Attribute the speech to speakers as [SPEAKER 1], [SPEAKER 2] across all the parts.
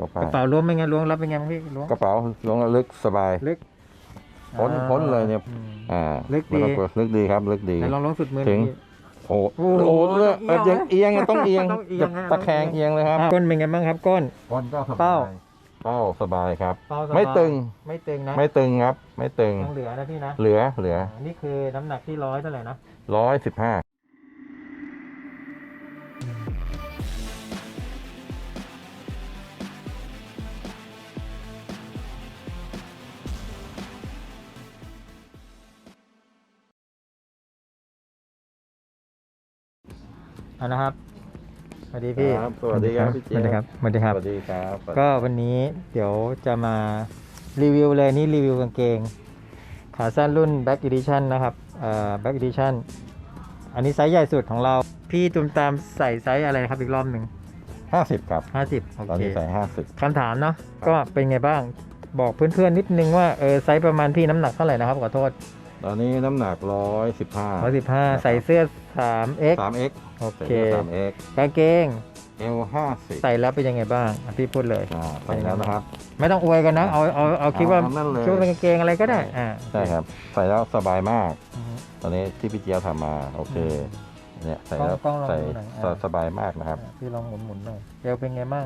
[SPEAKER 1] ก็ป้าก
[SPEAKER 2] ระเป๋าล้วงเป็นไงล้วงรับเป็นไงบ้างพี่ล้วง
[SPEAKER 1] กระเป๋าล้วงแล้วลึกสบาย
[SPEAKER 2] ลึก
[SPEAKER 1] พ้นเลยเนี่ย
[SPEAKER 2] ลึกดี
[SPEAKER 1] ไม่ต้องกลัวลึกดีครับลึกดี
[SPEAKER 2] ไหนลองล้วงสุดมือห
[SPEAKER 1] ถึ
[SPEAKER 2] น่อย
[SPEAKER 1] ง
[SPEAKER 2] พี่
[SPEAKER 1] โอ้
[SPEAKER 2] โอ้โห
[SPEAKER 1] โหเนี่ย
[SPEAKER 2] ต้องเอียง
[SPEAKER 1] เอียงต้องเอียง
[SPEAKER 2] ต้องเอียง
[SPEAKER 1] ตะแคงเอียงเลยครับ
[SPEAKER 2] ก้นเป็นไงบ้างครับก้น
[SPEAKER 1] ก้นก็ส
[SPEAKER 2] เป้า
[SPEAKER 1] บายเป้าสบายครับ
[SPEAKER 2] เป้าสบาย
[SPEAKER 1] ไม่ตึง
[SPEAKER 2] ไม่ตึงนะ
[SPEAKER 1] ไม่ตึงครับ ไม่ตึง
[SPEAKER 2] ยังเหลือนะพี่นะ
[SPEAKER 1] เหลือ
[SPEAKER 2] นี่คือน้ำหนักที่100เท่าไหร่นะ
[SPEAKER 1] 115
[SPEAKER 2] นะครับสวัสดีพี่
[SPEAKER 1] ครับสวัสดีครับพี่เจี๊
[SPEAKER 2] ส
[SPEAKER 1] ยบ
[SPEAKER 2] วัสดีครับสวัสดีครับ
[SPEAKER 1] สวัสดีครับ
[SPEAKER 2] ก็วันนี้เดี๋ยวจะมารีวิวเลยนี่รีวิวกางเกงขาสั้นรุ่น Back Edition นะครับBack Edition อันนี้ไซส์ใหญ่สุดของเราพี่ตุมตามใส่ไซส์อะไรครับอีกรอบหนึ่ง
[SPEAKER 1] 50ครับ
[SPEAKER 2] 50โอ
[SPEAKER 1] ตอน
[SPEAKER 2] เค
[SPEAKER 1] นี้ใส่50
[SPEAKER 2] คำถามเนาะก็เป็นไงบ้างบอกเพื่อนๆนิดนึงว่าไซส์ประมาณพี่น้ำหนักเท่าไหร่นะครับขอโทษ
[SPEAKER 1] ตอนนี้น้ำหนัก115
[SPEAKER 2] 115ใส่เสื้อ 3x
[SPEAKER 1] 3x
[SPEAKER 2] โอ
[SPEAKER 1] ใส่
[SPEAKER 2] เค
[SPEAKER 1] เสื้อ 3x
[SPEAKER 2] กางเกง
[SPEAKER 1] L 50
[SPEAKER 2] ใส่แล้วเป็นยังไงบ้างพี่พูดเลย
[SPEAKER 1] ใส่แล้วนะครับ
[SPEAKER 2] ไม่ต้องอวยกันนะเอาคิดว่า
[SPEAKER 1] นั่นเลย
[SPEAKER 2] คิดว่าเป็นกางเกงอะไรก็ได้
[SPEAKER 1] ใช่ครับใส่แล้วสบายมาก
[SPEAKER 2] อือฮึ
[SPEAKER 1] ตอนนี้ที่พี่เจี๊ยบทำมาโอเคเนี่ยใส่แล้ว
[SPEAKER 2] กล้องลอง
[SPEAKER 1] ใส่
[SPEAKER 2] ดูหน่อย
[SPEAKER 1] สบายมากนะครับ
[SPEAKER 2] พี่ลองหมุนๆหน่อยเอวเป็นไงบ้าง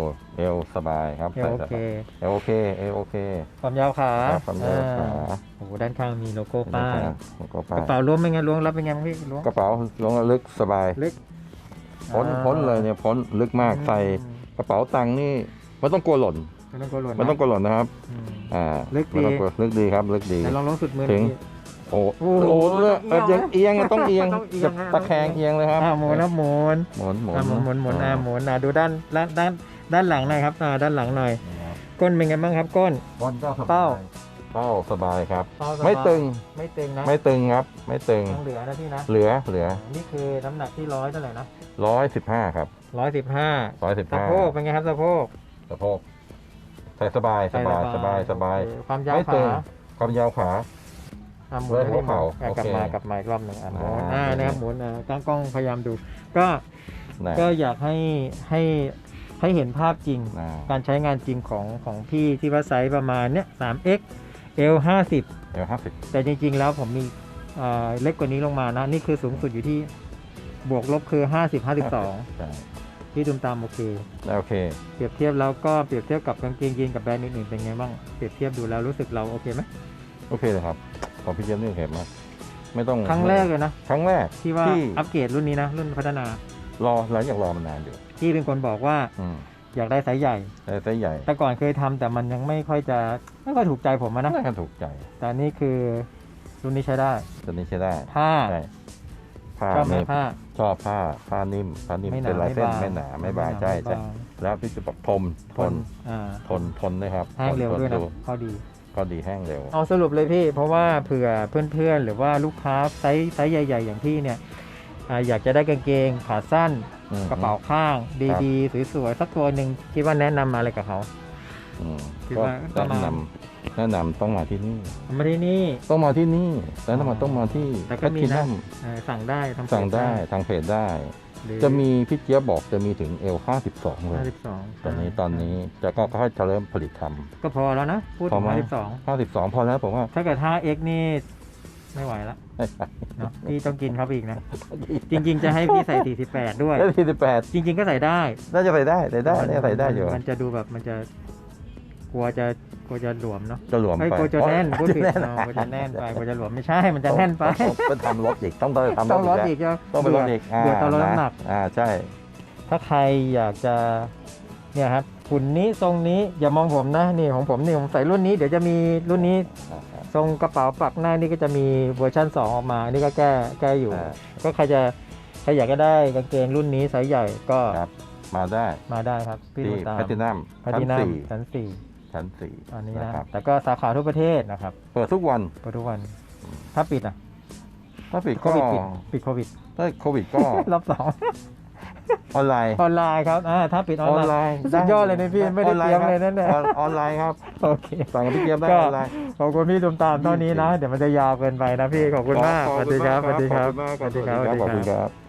[SPEAKER 1] L สบายครับ
[SPEAKER 2] เอวโอเค
[SPEAKER 1] เอลโอเคเอลโอเค
[SPEAKER 2] ความยาวขา
[SPEAKER 1] ครับความยาวขา
[SPEAKER 2] โอ้โหด้านข้างมีโลโก้ป้าย
[SPEAKER 1] แล้วก็
[SPEAKER 2] ก
[SPEAKER 1] ป้า
[SPEAKER 2] ระเป๋าล้วงเป็นไงล้วงรับเป็นไงบ้างพี่ล้วง
[SPEAKER 1] กระเป๋าลงแล้วลึกสบาย
[SPEAKER 2] ลึก
[SPEAKER 1] พ้นเลยเนี่ยพ้นลึกมากใส่กระเป๋าตังค์นี่ไม่ต้องกลัวหล่น
[SPEAKER 2] ไม่ต้องกลัวหล่น
[SPEAKER 1] ไม่ต้องกลัวหล่นนะครับ
[SPEAKER 2] ลึกดี
[SPEAKER 1] ไม่ต้องกลัวลึกดีครับลึกดี
[SPEAKER 2] ไหนลองล้วงสุดมือห
[SPEAKER 1] ถึ
[SPEAKER 2] น่อย
[SPEAKER 1] ง
[SPEAKER 2] พี่
[SPEAKER 1] โอ้
[SPEAKER 2] โอ้
[SPEAKER 1] โห
[SPEAKER 2] โห
[SPEAKER 1] เนี่ย
[SPEAKER 2] ต้องเอี
[SPEAKER 1] เอี
[SPEAKER 2] ย
[SPEAKER 1] ย
[SPEAKER 2] ง
[SPEAKER 1] งต้องเอียง
[SPEAKER 2] ต้องเอียง
[SPEAKER 1] ตะแคงเอียงเลยครับ
[SPEAKER 2] หมุนนะหมุน
[SPEAKER 1] หมุน
[SPEAKER 2] หมุนหมุนหมุนดูด้านหลังหน่อยครับด้านหลังหน่อย ก้นเป็นไงบ้างครับก้น
[SPEAKER 1] ก้นก็สบาย
[SPEAKER 2] เป้า
[SPEAKER 1] เป้าสบายครับ
[SPEAKER 2] เป้าสบาย
[SPEAKER 1] ไม่ตึง
[SPEAKER 2] ไม่ตึงนะ
[SPEAKER 1] ไม่ตึงครับ ไม่ตึง
[SPEAKER 2] ยังเหลือนะพี่นะ
[SPEAKER 1] เหลือ
[SPEAKER 2] นี่คือน้ำหนักที่100เท่าไหร่นะ
[SPEAKER 1] 115ครับ
[SPEAKER 2] 115 สะโพก
[SPEAKER 1] 115
[SPEAKER 2] เป็นไงครับสะโพก
[SPEAKER 1] สะโพกใส่สบายสบายสบายสบาย
[SPEAKER 2] โอเคความยาว
[SPEAKER 1] ไม่ตึ
[SPEAKER 2] ขาง
[SPEAKER 1] ความยาวขา
[SPEAKER 2] หมุนให้
[SPEAKER 1] หัวเข่า
[SPEAKER 2] หมุน
[SPEAKER 1] โอเค
[SPEAKER 2] กลับมาอีกรอบหนึ่งหมุน
[SPEAKER 1] อ่า
[SPEAKER 2] นะครับหมุนกล้องพยายามดู ก็
[SPEAKER 1] นะ
[SPEAKER 2] ก็อยากให้เห็นภาพจริง
[SPEAKER 1] นะ
[SPEAKER 2] การใช้งานจริงของพี่ที่ว่าไซส์ประมาณเนี้ย 3x L 50
[SPEAKER 1] 50
[SPEAKER 2] แต่จริงๆแล้วผมมีเล็กกว่านี้ลงมานะ นี่คือสูงสุดอยู่ที่บวกลบคือ 50 52
[SPEAKER 1] ใช่
[SPEAKER 2] ที่ตุมตามโอเค
[SPEAKER 1] โอเค
[SPEAKER 2] เปรียบเทียบแล้วก็เปรียบเทียบกับกางเกงยีนกับแบรนด์อื่นๆเป็นไงบ้างเปรียบเทียบดูแล้วรู้สึกเราโอเคไหม
[SPEAKER 1] โอเคเลยครับของพี่เจี๊ยบนี่โอเคมากไม่ต้อง
[SPEAKER 2] ครั้งแรกเลยนะ
[SPEAKER 1] ครั้งแรก
[SPEAKER 2] ที่ว่าอัปเกรดรุ่นนี้นะ รุ่นพัฒนาร
[SPEAKER 1] อหลังจากรอมานานอยู่
[SPEAKER 2] ที่เป็นคนบอกว่า
[SPEAKER 1] อืม
[SPEAKER 2] อยากได้ไซส์ใหญ่
[SPEAKER 1] แต่ไซส์ใหญ่
[SPEAKER 2] แต่ก่อนเคยทำแต่มันยังไม่ค่อยถูกใจผมอะนะ
[SPEAKER 1] น่าจะถูกใจ
[SPEAKER 2] แต่นี่คือรุ่นนี้ใช้ได้
[SPEAKER 1] ตัวนี้ใช้ได้
[SPEAKER 2] ผ้า
[SPEAKER 1] ใช่ผ้า
[SPEAKER 2] ชอบไหม
[SPEAKER 1] ไม่
[SPEAKER 2] ผ้า
[SPEAKER 1] ชอบผ้านิ่ม
[SPEAKER 2] ไม่หนา
[SPEAKER 1] เป็นลายเส้น
[SPEAKER 2] ไม่บาง
[SPEAKER 1] ไม่หนาไม่บางใช่
[SPEAKER 2] ไม่
[SPEAKER 1] ใช่
[SPEAKER 2] บาง
[SPEAKER 1] แล้วพี่จะบอกทน
[SPEAKER 2] อ่า
[SPEAKER 1] ทนด้วยครับ
[SPEAKER 2] แห้งเร็ว
[SPEAKER 1] ทน
[SPEAKER 2] ด้วยนะ
[SPEAKER 1] ดู
[SPEAKER 2] ข้อดี
[SPEAKER 1] ก็ดีแห้งเร็ว
[SPEAKER 2] เอาสรุปเลยพี่ เพราะว่าเผื่อเพื่อนๆ หรือว่าลูกค้าไซส์ใหญ่ๆ อย่างพี่เนี่ยอยากจะได้กางเกงขาสั้น
[SPEAKER 1] อืม
[SPEAKER 2] กระเป๋าข้าง ดีๆ สวยๆ สักตัวหนึ่งคิดว่าแนะนำมาอะไรกับเขา
[SPEAKER 1] อืม
[SPEAKER 2] คิด
[SPEAKER 1] ก็
[SPEAKER 2] ว่าประมาณ
[SPEAKER 1] แนะนำต้องมาที่นี่
[SPEAKER 2] มาที่นี่
[SPEAKER 1] ต้องมาที่นี่แล้วต้องมาที่
[SPEAKER 2] แต่ก็มี
[SPEAKER 1] แคท
[SPEAKER 2] นะ
[SPEAKER 1] นัม
[SPEAKER 2] สั่งได้ทำ
[SPEAKER 1] สั่งได้ทางเพจได้
[SPEAKER 2] หรือ
[SPEAKER 1] จะมีพี่เจี๊ยบบอกจะมีถึง L52 เลย
[SPEAKER 2] 52
[SPEAKER 1] ตอนนี้แต่ก็ค่อยจะเริ่มผลิตท
[SPEAKER 2] ก็พอแล้วนะ พูด
[SPEAKER 1] พ
[SPEAKER 2] ถึ
[SPEAKER 1] อง ไหม
[SPEAKER 2] 52
[SPEAKER 1] 52พอแล้วผมว่า
[SPEAKER 2] ถ้าเกิด 5x นี่ไม่ไหวละเนาะพี่ต้องกินเขาไปอีกนะ จริงๆ จะให้พี่ใส่ 48 ด้วย
[SPEAKER 1] ได้48
[SPEAKER 2] จริง ๆ ก็ใส่ได้
[SPEAKER 1] น่าจะใส่ได้น่าจะใส่ได้อยู่
[SPEAKER 2] มันจะดูแบบมันจะกลัวจะหลวมเนาะ
[SPEAKER 1] จะหลวม
[SPEAKER 2] ไอ้
[SPEAKER 1] ไป
[SPEAKER 2] กลัวจะแน่นพูดผิด
[SPEAKER 1] แน่น
[SPEAKER 2] กลัวจะแน่นไปกลัวจะหลวมไม่ใช่มันจะแน่นไป
[SPEAKER 1] ต้องทำรถอีกต้องทำ
[SPEAKER 2] ต้องลด
[SPEAKER 1] แล้ว
[SPEAKER 2] อีกจะ
[SPEAKER 1] ต้องไปลดอีก
[SPEAKER 2] เบื่อตอนลดน้ำหนัก
[SPEAKER 1] ใช่
[SPEAKER 2] ถ้าใครอยากจะเนี่ยครับหุ่นนี้ทรงนี้อย่ามองผมนะนี่ของผมนี่ผมใส่รุ่นนี้เดี๋ยวจะมีรุ่นนี้ทรงกระเป๋าปักหน้านี่ก็จะมีเวอร์ชัน2ออกมานี่ก็แก้อยู่ ก็ใครอยากจะได้กางเกงรุ่นนี้ไซส์ใหญ่ก็
[SPEAKER 1] ครับมาได้
[SPEAKER 2] มาได้ครับพี่
[SPEAKER 1] ที่
[SPEAKER 2] ดูตาม
[SPEAKER 1] แพทินัม
[SPEAKER 2] ชั้น
[SPEAKER 1] ชั้น
[SPEAKER 2] 4อันนี้
[SPEAKER 1] 4
[SPEAKER 2] นะ
[SPEAKER 1] ครับ
[SPEAKER 2] แล้วก็สาขาทั่วประเทศนะครับ
[SPEAKER 1] เปิดทุกวัน
[SPEAKER 2] เปิดทุกวันถ้าปิดอ่ะ
[SPEAKER 1] ถ้าปิด
[SPEAKER 2] โค
[SPEAKER 1] ก็
[SPEAKER 2] วิดปิดโควิด
[SPEAKER 1] ถ้าโควิดก็
[SPEAKER 2] รอบ2
[SPEAKER 1] ออนไลน์
[SPEAKER 2] ออนไลน์ครับถ้าปิดออนไลน์สุดยอดเลยนะพี่ไม่ได้เตรียมเลยนั่นแหละ
[SPEAKER 1] ออนไลน์ครับ
[SPEAKER 2] โอเค
[SPEAKER 1] สั่งกับพี่เจี๊ยบได้
[SPEAKER 2] ก็
[SPEAKER 1] ออนไลน์
[SPEAKER 2] ขอบคุณพี่ตุมตามเท่านี้นะ เดี๋ยวมันจะยาวเกินไปนะพี่ขอบคุณมากสวัสดีครับ
[SPEAKER 1] ขอบคุณมาก
[SPEAKER 2] สวัสดีครับ
[SPEAKER 1] ขอบคุณครับ